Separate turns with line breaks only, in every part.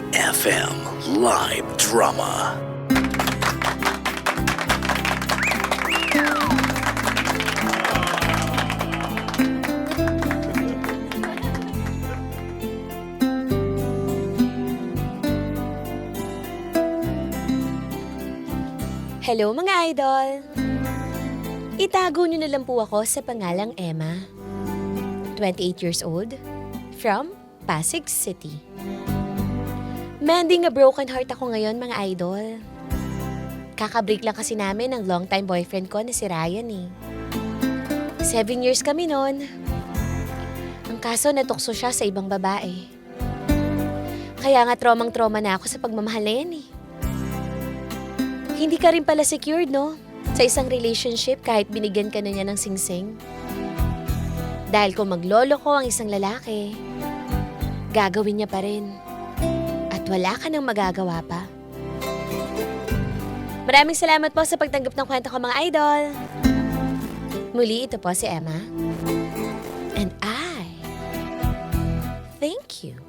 FM Live Drama.
Hello mga idol! Itago niyo na lang po ako sa pangalang Emma. 28 years old, from Pasig City. Mending a broken heart ako ngayon mga idol. Kakabreak lang kasi namin ng long-time boyfriend ko na si Ryan eh. 7 years kami noon. Ang kaso natukso siya sa ibang babae. Kaya nga tromang-troma na ako sa pagmamahal na yan eh. Hindi ka rin pala secured, no? Sa isang relationship kahit binigyan ka na niya ng singsing. Dahil kung maglolo ko ang isang lalaki, gagawin niya pa rin. At wala ka nang magagawa pa. Maraming salamat po sa pagtanggap ng kwento ko mga idol. Muli ito po si Emma. And I thank you.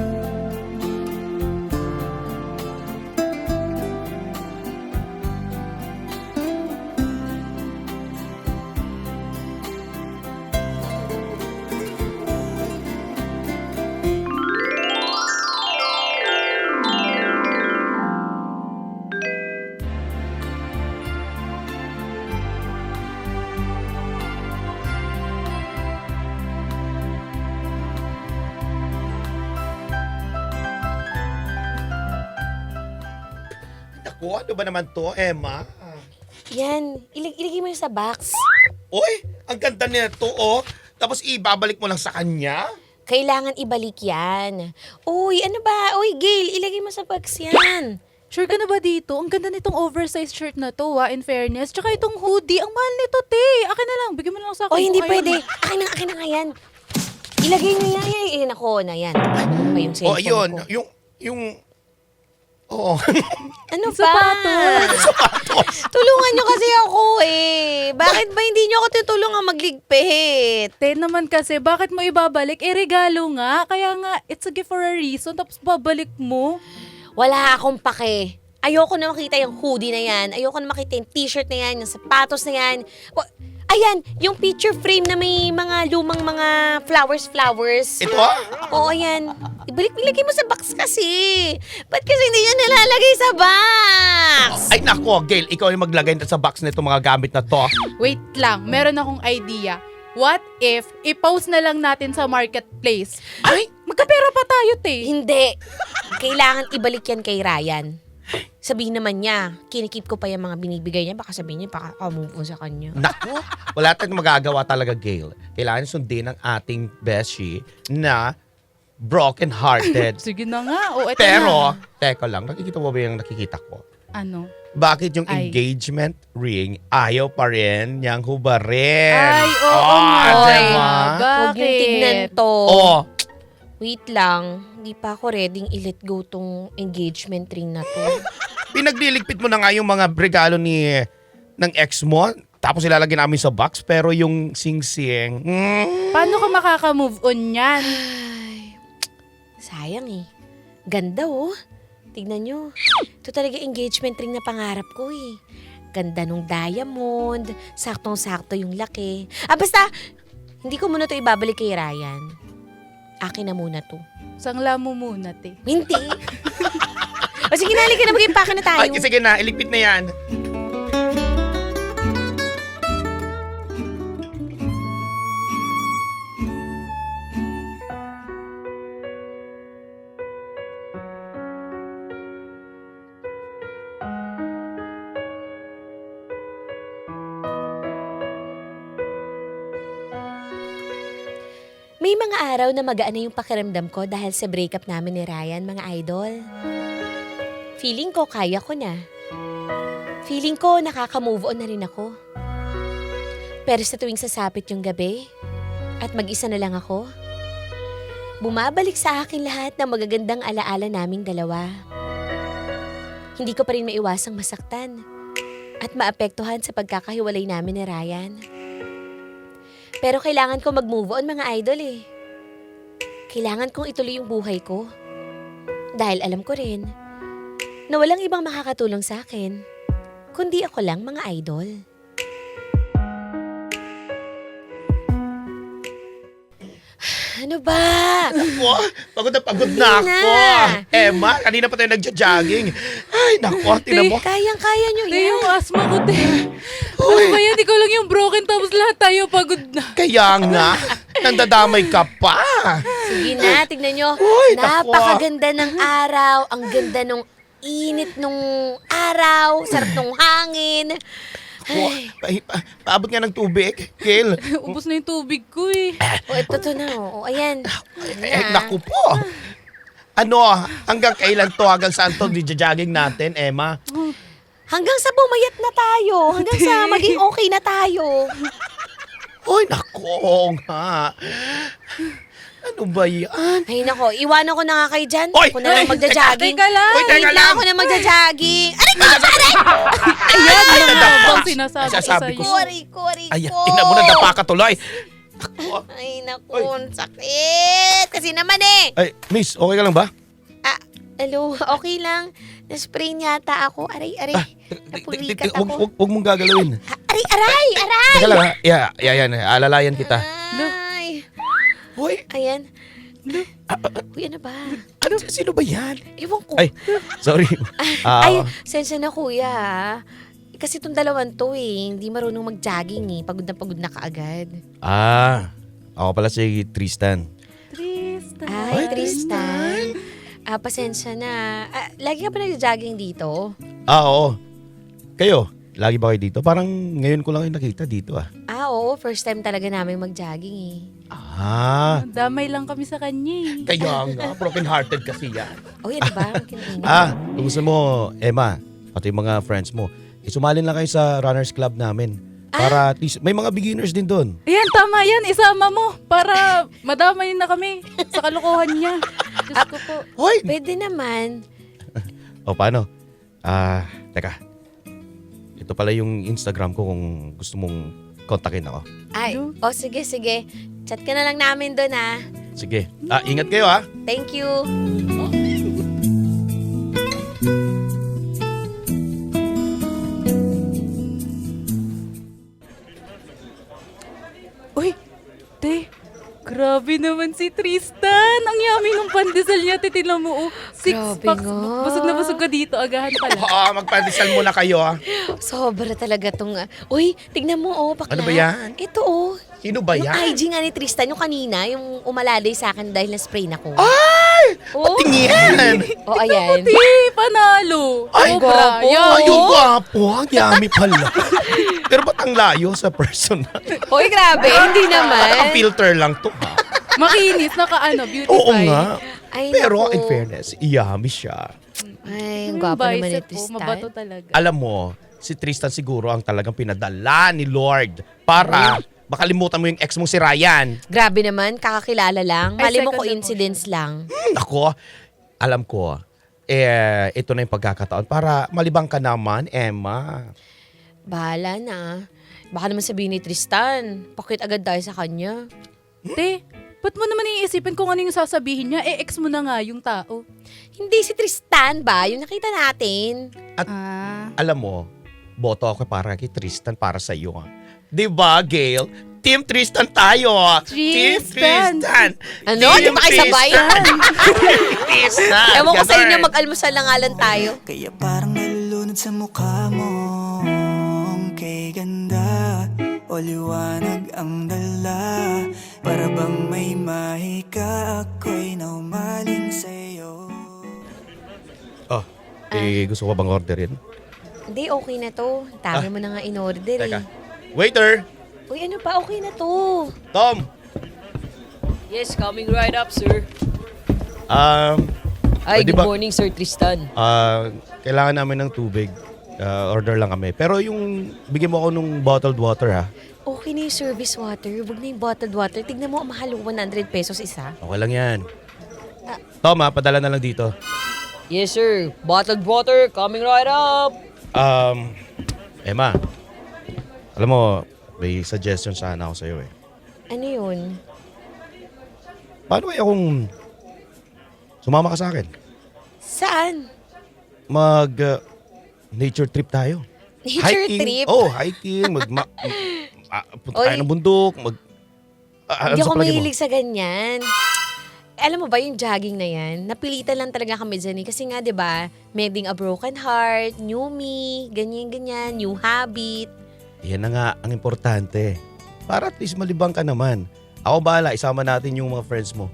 Naku, ano ba naman to, Emma?
Yan, ilagay mo yung sa box.
Uy, ang ganda nito, oh. Tapos ibabalik mo lang sa kanya?
Kailangan ibalik yan. Uy, ano ba? Uy, Gail, ilagay mo sa box yan.
Sure ka na ba dito? Ang ganda nitong oversized shirt na to, in fairness. Tsaka itong hoodie, ang mahal nito, te. Akin na lang, bigyan mo na lang sa akin.
Uy, hindi
kung ayaw
pwede.
mo.
Akin na nga yan. Ilagay niyo yan. Nako na yan. Ano pa yung cellphone
Oh, ayun.
ko?
Yung... Oo.
Ano
Yung
pa?
sapatos.
Tulungan niyo kasi ako eh. Bakit ba hindi niyo ako tutulungan magligpit?
Te naman kasi, bakit mo ibabalik? Eh, regalo nga. Kaya nga, it's a gift for a reason. Tapos babalik mo.
Wala akong pake. Ayoko na makita yung hoodie na yan. Ayoko na makita yung t-shirt na yan, yung sapatos na yan. Ayan, yung picture frame na may mga lumang mga flowers.
Ito?
Oo, ayan. Ibalik-bilagay mo sa box kasi. Ba't kasi hindi nyo nilalagay sa box?
Ay, nako, Gail. Ikaw yung maglagay sa box nito mga gamit na to.
Wait lang, meron akong idea. What if, i-post na lang natin sa marketplace?
Ay!
Magkapera pa tayo, te.
Hindi. Kailangan ibalik yan kay Ryan. Sabihin naman niya, kinikip ko pa yung mga binibigay niya. Baka sabihin niya, baka move on sa kanya.
Nako, wala tayong magagawa talaga, Gail. Kailangan sundin ang ating beshi na broken-hearted.
Sige na nga. O, eto
Pero,
na.
teka lang, nakikita mo ba yung nakikita ko?
Ano?
Bakit yung
Ay.
engagement ring ayaw pa rin niyang hubarin?
Ay, oo nga.
Diba?
Huwag yung tignan to.
Oh,
Wait lang, hindi pa ako ready i-let go tong engagement ring na to.
pinagliligpit mo na nga yung mga regalo ng ex mo, tapos ilalagay namin sa box, pero yung sing-sing,
Paano ka makaka-move on yan?
Ay, sayang eh. Ganda oh. Tignan nyo. Ito talaga engagement ring na pangarap ko eh. Ganda nung diamond, saktong-sakto yung laki. Basta, hindi ko muna to ibabalik kay Ryan. Akin na muna to.
Sangla mo muna, te.
Hindi. O sige, nalik ka na, mag-impake na tayo.
ay, sige na, iligpit na yan.
May mga araw na magaan na yung pakiramdam ko dahil sa breakup namin ni Ryan, mga idol. Feeling ko kaya ko na. Feeling ko nakaka-move on na rin ako. Pero sa tuwing sasapit yung gabi at mag-isa na lang ako, bumabalik sa akin lahat ng magagandang alaala naming dalawa. Hindi ko pa rin maiwasang masaktan at maapektuhan sa pagkakahiwalay namin ni Ryan. Pero kailangan ko mag-move on mga idol eh. Kailangan kong ituloy yung buhay ko. Dahil alam ko rin na walang ibang makakatulong sa akin, kundi ako lang, mga idol. Ano ba?
Ako, pagod na ako.
Na.
Emma, kanina pa tayo nagja-jogging. Ay, nako, tinan mo.
Kayang-kaya nyo
Te,
yan.
yung asma ko, te. Ano ba yan? Ikaw lang yung broken tapos lahat tayo pagod na.
Kaya nga, nandadamay ka pa.
Sige na, tignan nyo.
Uy, naku.
Napakaganda ng araw. Ang ganda nung init nung araw. Sarap nung hangin. Ay,
Paabot nga ng tubig, Gail.
Ubus na yung tubig ko eh.
ito to na. O, ayan.
Naku po. Ano, hanggang kailan to? Hanggang saan to jogging natin, Emma?
Hanggang sa bumayat na tayo. Hanggang sa maging okay na tayo.
Ay, naku, oo nga. Ano ba yan?
Ay, nako. Iwanan ko na nga kayo dyan.
Oy!
Ako na lang magja-jogging.
Teka lang.
Uy, teka
Wait
lang.
ako na magja-jogging. Aray ko! Aray!
Ayan,
Ay,
ano
nadapa.
bang sinasabi ko
Sasabi ko.
sa'yo?
Kori ko.
Ay, ina mo na dapa ka tuloy.
Ay, naku. Ang sakit. Kasi naman eh.
Ay, miss, okay ka lang ba?
Hello, okay lang. Na-spray yata ako. Aray. Napurikat ako.
Huwag mong gagalawin.
Aray!
Teka lang ha. Yan. Alalayan kita.
Ay.
Hoy,
Ayan. Uy, ano ba?
sino ba yan?
Ewan ko.
Ay, sorry.
Ay, sensya na kuya. Kasi itong dalawan to hindi marunong mag-jogging Pagod na kaagad.
Ako pala si Tristan.
Tristan.
Ay, Tristan. Pasensya na. Lagi ka ba nag-jogging dito?
Oo. Kayo, lagi ba kayo dito? Parang ngayon ko lang kayo nakita dito
Oo. First time talaga namin mag-jogging
Damay lang kami sa kanya eh.
Kaya nga, broken-hearted kasi yan.
Uy, ano ba? Ang kinainan.
Kung gusto mo, Emma, pati yung mga friends mo, sumalin lang kayo sa runners club namin. Para at least, may mga beginners din doon.
Ayan, tama yan. Isama mo para madamay na kami sa kalokohan niya. Diyos ko po.
Hoy!
Pwede naman.
O, paano? Teka. Ito pala yung Instagram ko kung gusto mong kontakin ako.
Ay, sige. Chat ka na lang namin doon
Sige. Ingat kayo
Thank you.
Uy, te. Grabe naman si Tristan. Ang yummy ng pandesal niya. Titinan mo, 6
Grabe
packs.
nga.
Busog na busog ka dito. Agahan pala.
Magpandesal muna kayo
Sobra talaga tong... Uy, tignan mo bakla.
Ano ba yan?
Ito
Sino ba
Yung
yan?
IG nga ni Tristan, yung kanina, yung umalalay sa akin dahil na-spray na ko.
Ay!
Oh,
Tingin!
ayan.
Te, panalo.
Ay,
Sobra.
gwapo.
Yan.
Ay, yung gwapo. Ang yummy pala. Pero ba't ang layo sa personal?
Hoy, grabe, hindi
Ang
naman.
filter lang to
Makinis, beautify.
Oo nga.
Ay,
Pero
naku.
in fairness, yummy siya.
Ay, ang gwapo naman ni
Bicep po,
Tristan.
mabato talaga.
Alam mo, si Tristan siguro ang talagang pinadala ni Lord para makalimutan mo yung ex mong si Ryan.
Grabe naman, kakakilala lang.
Ay,
Mali mo
second
coincidence lang.
Ako, alam ko, ito na yung pagkakataon para malibang ka naman, Emma.
Bahala na. Baka naman sabihin ni Tristan, pakit agad tayo sa kanya.
Te, ba't mo naman iisipin kung ano yung sasabihin niya? Ex mo na nga yung tao.
Hindi si Tristan ba? Yung nakita natin.
Alam mo, boto ako para kay Tristan para sa iyo. 'Di ba, Gail? Team Tristan tayo. Team
Tristan.
Tristan.
Ano?
Team
Di ba kayo sabay?
Tristan.
Ewan ko sa
Ganon.
inyo, mag-almusal na nga lang tayo.
Kaya parang nalulunod sa mukha mo. Kay ganda o liwanag ang dala. Para bang may mahika, ako'y naumaling sa'yo.
Gusto ko bang orderin?
Hindi, okay na to. Dami mo na nga in-order
Teka. Waiter!
Uy, ano pa? Okay na to.
Tom!
Yes, coming right up, sir. Ay,
Pwede
good
ba-
morning, Sir Tristan.
Kailangan namin ng tubig. Order lang kami. Pero yung, bigyan mo ako nung bottled water
Okay na yung service water. Huwag na yung bottled water. Tignan mo, ang mahal, 100 pesos isa.
Okay lang yan. Tom padala na lang dito.
Yes, sir. Bottled water, coming right up.
Emma, alam mo, may suggestion sana ako sa'yo
Ano yun?
Paano kaya kung sumama ka sa akin?
Saan?
Nature trip tayo.
Nature trip?
Oh, hiking. Punta tayo
Oy.
ng bundok.
Hindi ako
sa palagay mo?
mahilig sa ganyan. Alam mo ba yung jogging na yan? Napilitan lang talaga kami dyan eh. Kasi nga, di ba, maybe a broken heart, new me, ganyan-ganyan, new habit.
Yan na nga ang importante. Para at least malibang ka naman. Ako bahala, isama natin yung mga friends mo.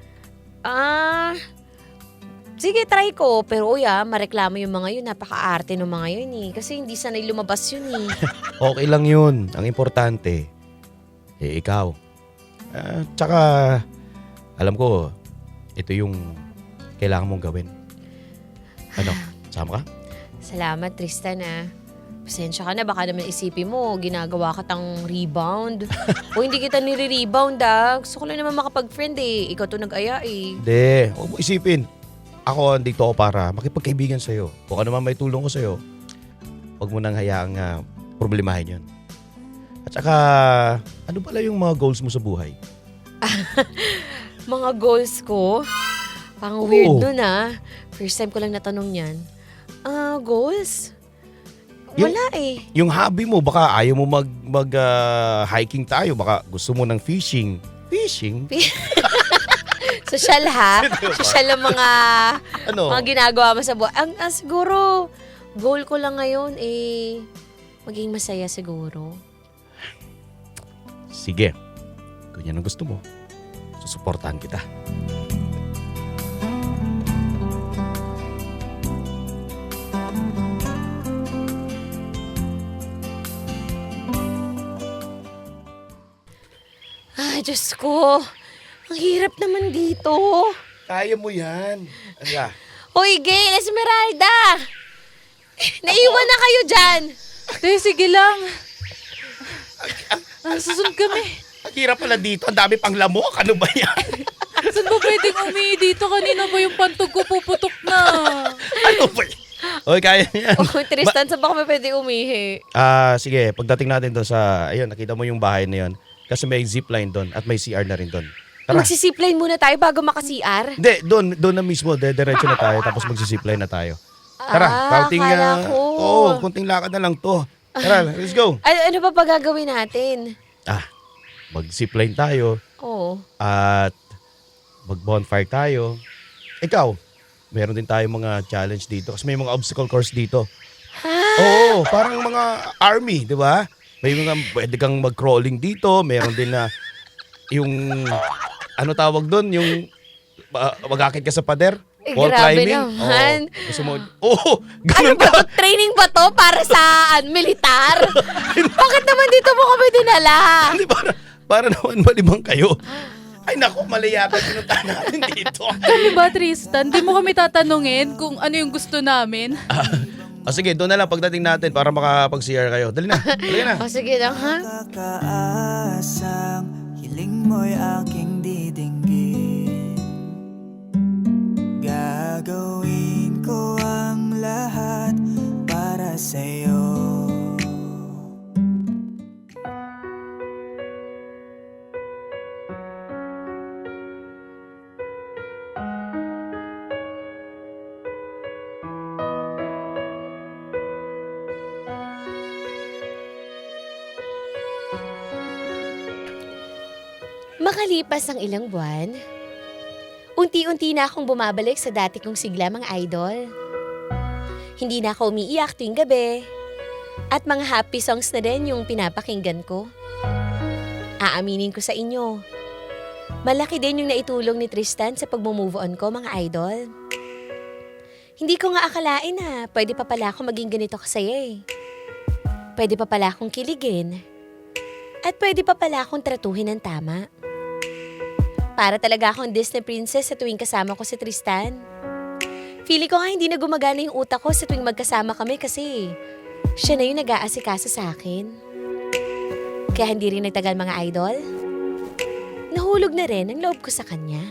Sige, try ko. Pero mareklamo yung mga yun. Napaka-arte ng mga yun eh. Kasi hindi sanay lumabas yun eh.
Okay lang yun. Ang importante, ikaw. Tsaka, alam ko, ito yung kailangan mong gawin. Ano, sama ka?
Salamat, Tristan ah. Pasensya ka na, baka naman isipin mo, ginagawa ka tang rebound. O hindi kita nire-rebound ah. Gusto ko lang naman makapag-friend eh. Ikaw to nag-aya eh.
Hindi, huwag mo isipin. Ako, andito ako para makipagkaibigan sa'yo. Kung ano man may tulong ko sa'yo, huwag mo nang hayaang problemahin yun. At saka, ano pala yung mga goals mo sa buhay?
Mga goals ko? Pang weird nun ah. First time ko lang natanong yan. Goals? Wala eh.
Yung hobby mo, baka ayaw mo hiking tayo. Baka gusto mo ng fishing. Fishing?
Social ha? Social ang mga
Ano?
ginagawa mo sa buhay. Siguro, goal ko lang ngayon eh, maging masaya siguro.
Sige. Kung yan ang gusto mo, susuportahan kita.
Diyos ko. Ang hirap naman dito.
Kaya mo yan. Ano?
Hoy, Gail, Esmeralda! Naiwan na kayo dyan!
Te, sige lang. Susunod kami.
Ang hirap pala dito. Ang dami pang lamok. Ano ba yan?
Saan ba pwedeng umihi dito? Kanina ba yung pantog ko puputok na?
Ano ba yan? Oy, kaya yan.
Oh, Tristan, saan ba kami pwede umihi?
Sige. Pagdating natin doon sa, ayun, nakita mo yung bahay na yun. Kasi may zipline doon at may CR na rin doon. Tara.
Magsisipline muna tayo bago maka-CR?
Hindi, doon na mismo. Diretso na tayo. Tapos magsisipline na tayo. Tara,
akala ko.
kunting lakad na lang to. Tara, let's go.
Ano pa pa gagawin natin?
Mag-zipline tayo
Oo.
at mag-bonfire tayo. Ikaw, meron din tayo mga challenge dito kasi may mga obstacle course dito. Oo, parang mga army, di ba? May mga pwede kang mag-crawling dito. Meron din na yung, ano tawag doon? Yung mag-akit ka sa pader. Wall
Grabe
climbing.
naman.
Gusto mo, ganun
Ano ba? Training ba to para sa militar? Bakit naman dito mo kami dinala?
Hindi, para naman malibang kayo. Ay naku, mali yata pinuntahan natin dito.
Kami ba, Tristan? Di mo kami tatanungin kung ano yung gusto namin?
Sige, doon na lang pagdating natin para makapag-CR kayo. Dali na, dali na.
Sige lang ha.
Kakaasang hiling mo'y aking didinggin. Gagawin ko ang lahat para sa'yo.
Makalipas ang ilang buwan, unti-unti na akong bumabalik sa dati kong sigla mga idol. Hindi na ako umiiyak tuwing gabi. At mga happy songs na din yung pinapakinggan ko. Aaminin ko sa inyo, malaki din yung naitulong ni Tristan sa pag-move on ko mga idol. Hindi ko nga akalain na pwede pa pala ako maging ganito kasaya eh. Pwede pa pala akong kiligin. At pwede pa pala akong tratuhin ng tama. Para talaga akong Disney princess sa tuwing kasama ko si Tristan. Feeling ko nga hindi na gumagana yung utak ko sa tuwing magkasama kami kasi siya na yung nag-aasikaso sa akin. Kaya hindi rin nagtagal mga idol. Nahulog na rin ang loob ko sa kanya.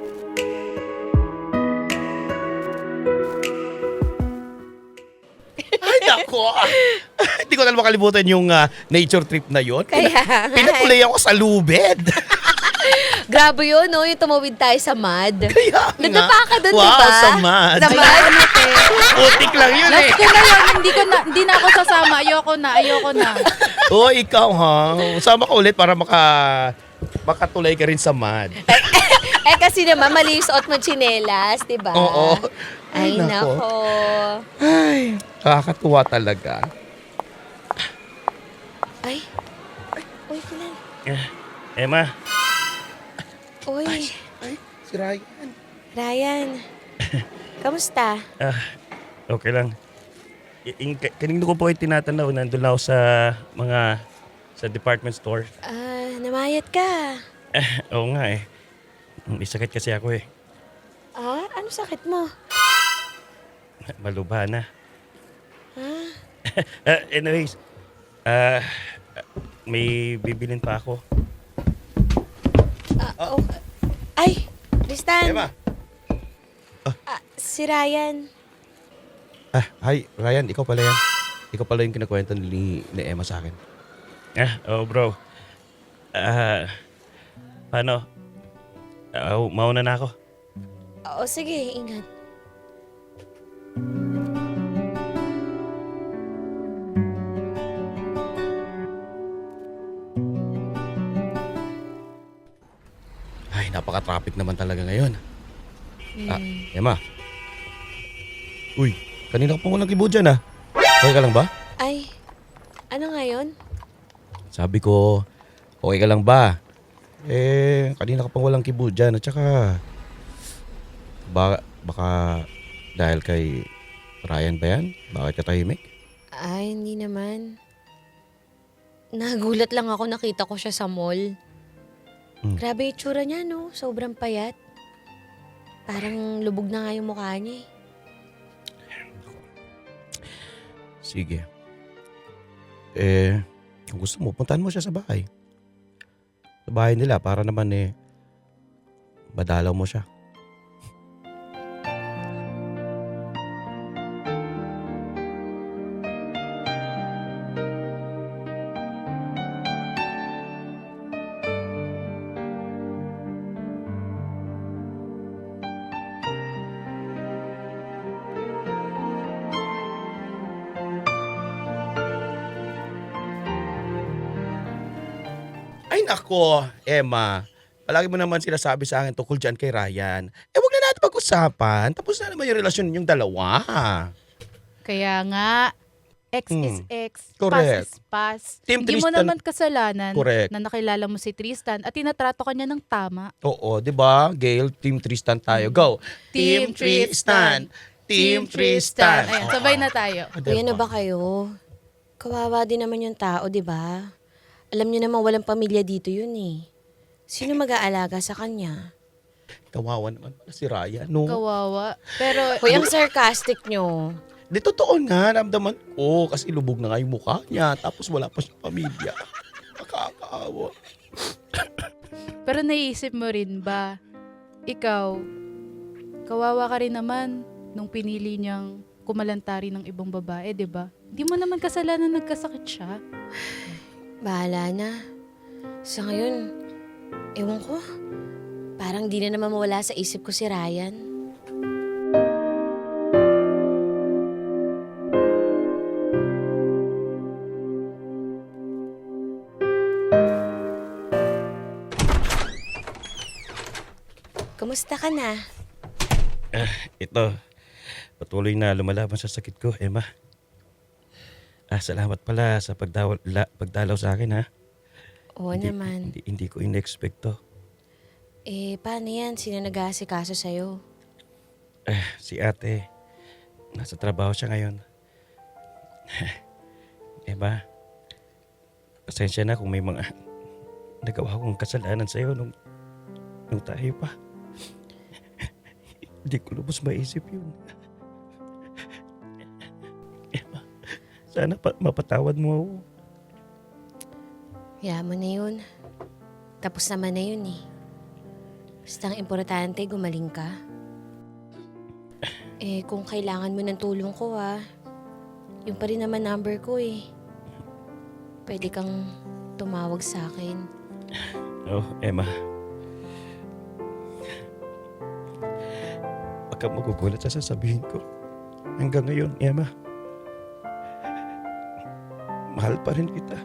Ay nako. Hindi ko na makalimutan yung nature trip na yon.
Kaya nga.
Pinakulay ako sa lubed.
Grabe yun, no? Yung tumawid tayo sa mud.
Kaya nga.
Nadapa ka dun,
wow,
di ba?
Sa mud.
Sa mud?
Putik lang yun eh.
Last ko na yun, hindi na ako sasama. Ayoko na.
Oo, ikaw ha. Sama ka ulit para makatulay ka rin sa mud.
Kasi naman, mali yung suot mo tsinelas, di ba?
Oo.
Ay,
nako.
nako.
Ay, nakakatuwa talaga.
Ay. Uy, Kulan.
Emma.
Uy,
Ay, si Ryan.
Ryan. Kamusta?
Okay lang. Kanina ko po ay tinatanaw. Nandun na ako sa department store.
Namayat ka.
Oo nga eh. May sakit kasi ako eh.
Ano sakit mo?
Maluba na.
Ha?
Anyways, may bibilin pa ako.
Ay, Tristan.
Emma!
Si Ryan.
Hi, Ryan. Ikaw pala yan. Ikaw pala yung kinakwento ni Emma sa akin. Bro. Paano? Mauna na ako.
Oo, sige, ingat.
Ay, napaka-traffic naman talaga ngayon. Emma. Uy, kanina ka pa walang kibo dyan Okay ka lang ba?
Ay, ano ngayon?
Sabi ko, okay ka lang ba? Kanina ka pa walang kibo dyan. At saka, baka dahil kay Ryan ba yan? Bakit ka tahimik?
Ay, hindi naman. Nagulat lang ako, nakita ko siya sa mall. Grabe yung tsura niya, no? Sobrang payat. Parang lubog na nga yung mukha niya eh.
Sige. Kung gusto mo, puntahan mo siya sa bahay. Sa bahay nila para naman madalaw mo siya. Ay nako, Emma. Palagi mo naman sinasabi sa akin tungkol dyan kay Ryan. Wag na natin pag-usapan. Tapos na naman yung relasyon ninyong dalawa.
Kaya nga, X is X,
Correct.
pass is pass.
Team
Hindi mo
Tristan-
naman kasalanan
Correct.
na nakilala mo si Tristan at tinatrato ka niya ng tama.
Oo, di ba? Gail, Team Tristan tayo. Go!
Team Tristan.
Team Tristan.
Ayan, sabay na tayo.
Kuya na ba kayo? Kawawa din naman yung tao, di ba? Alam niyo naman walang pamilya dito yun eh. Sino mag-aalaga sa kanya?
Kawawa naman pala si Ryan, no?
Kawawa. Pero,
Kuya, ang sarcastic nyo.
Di totoo nga, ramdaman ko. Kasi lubog na nga yung mukha niya. Tapos wala pa siyang pamilya. Nakakaawa.
pero naiisip mo rin ba, ikaw, kawawa ka rin naman nung pinili niyang kumalantari ng ibang babae, di ba? Di mo naman kasalanan nagkasakit siya.
Bahala na. Sa ngayon, ewan ko. Parang di na naman mawala sa isip ko si Ryan. Kumusta ka na?
Ito, patuloy na lumalaban sa sakit ko, Emma. Salamat pala sa pagdalaw sa akin, ha?
Oo naman.
Hindi ko in-expect to.
Paano yan? Sino nag-aasikaso sa'yo?
Si ate, nasa trabaho siya ngayon. Emma, pasensya na kung may mga nagawa kong kasalanan sa'yo nung tayo pa. Hindi ko lubos maisip yun. Emma, sana mapatawad mo ako.
Hayaan mo na yun. Tapos naman na yun eh. Basta ang importante, gumaling ka. Kung kailangan mo ng tulong ko yung pa rin naman number ko eh. Pwede kang tumawag sa akin.
Oh, Emma. ka magugulat sa sasabihin ko. Hanggang ngayon, Emma, mahal pa rin kita.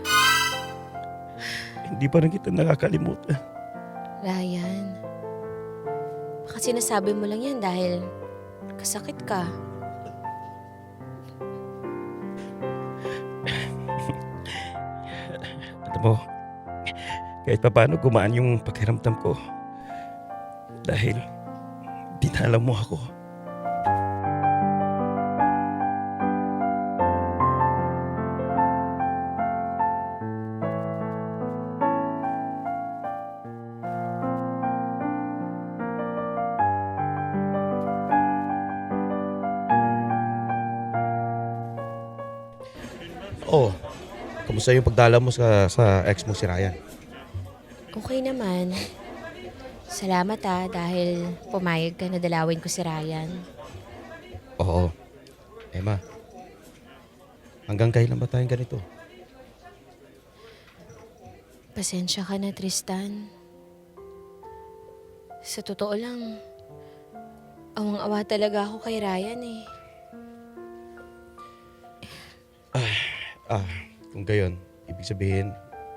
Hindi pa rin kita nakakalimutan.
Ryan, baka sinasabi mo lang yan dahil kasakit ka.
Alam mo, kahit pa paano gumaan yung pakiramdam ko. Dahil dinala mo ako. Oh, kamusta yung pagdala mo sa ex mo si Ryan?
Okay naman. Salamat dahil pumayag ka na dalawin ko si Ryan.
Oo. Emma, hanggang kailan ba tayong ganito?
Pasensya ka na, Tristan. Sa totoo lang, awang-awa talaga ako kay Ryan eh.
Kung gayon, ibig sabihin,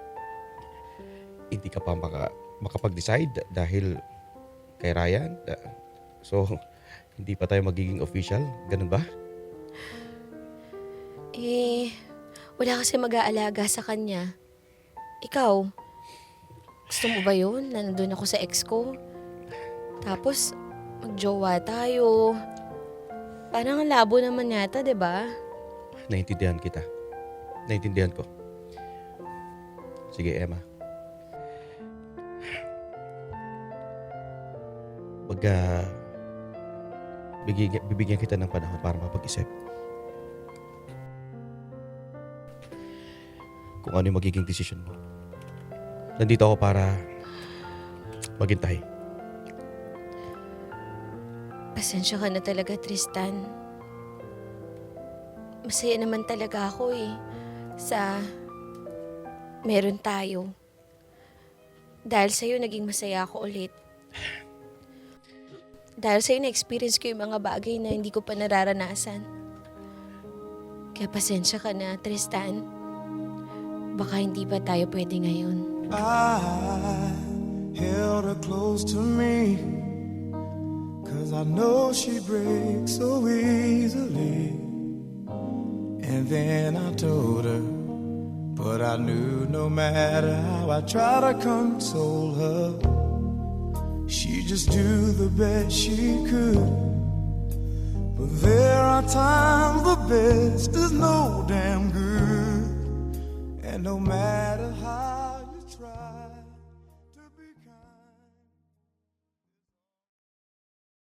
hindi ka pa makapag-decide dahil kay Ryan. So, hindi pa tayo magiging official. Ganun ba?
Wala kasi mag-aalaga sa kanya. Ikaw, gusto mo ba yun? Na nandun ako sa ex ko. Tapos, magjowa tayo. Parang ang labo naman yata, 'di ba?
Naintindihan kita. Naintindihan ko. Sige, Emma. Bibigyan kita ng panahon para mapag-isip. Kung ano yung magiging desisyon mo. Nandito ako para maghintay.
Pasensya ka na talaga, Tristan. Masaya naman talaga ako sa meron tayo. Dahil sa'yo, naging masaya ako ulit. Dahil sa'yo, na-experience ko yung mga bagay na hindi ko pa nararanasan. Kaya pasensya ka na, Tristan. Baka hindi pa tayo pwede ngayon.
I held her close to me, 'cause I know she breaks so easily. And then I told her, but I knew no matter how I try to console her, she'd just do the best she could. But there are times the best is no damn good, and no matter how you try.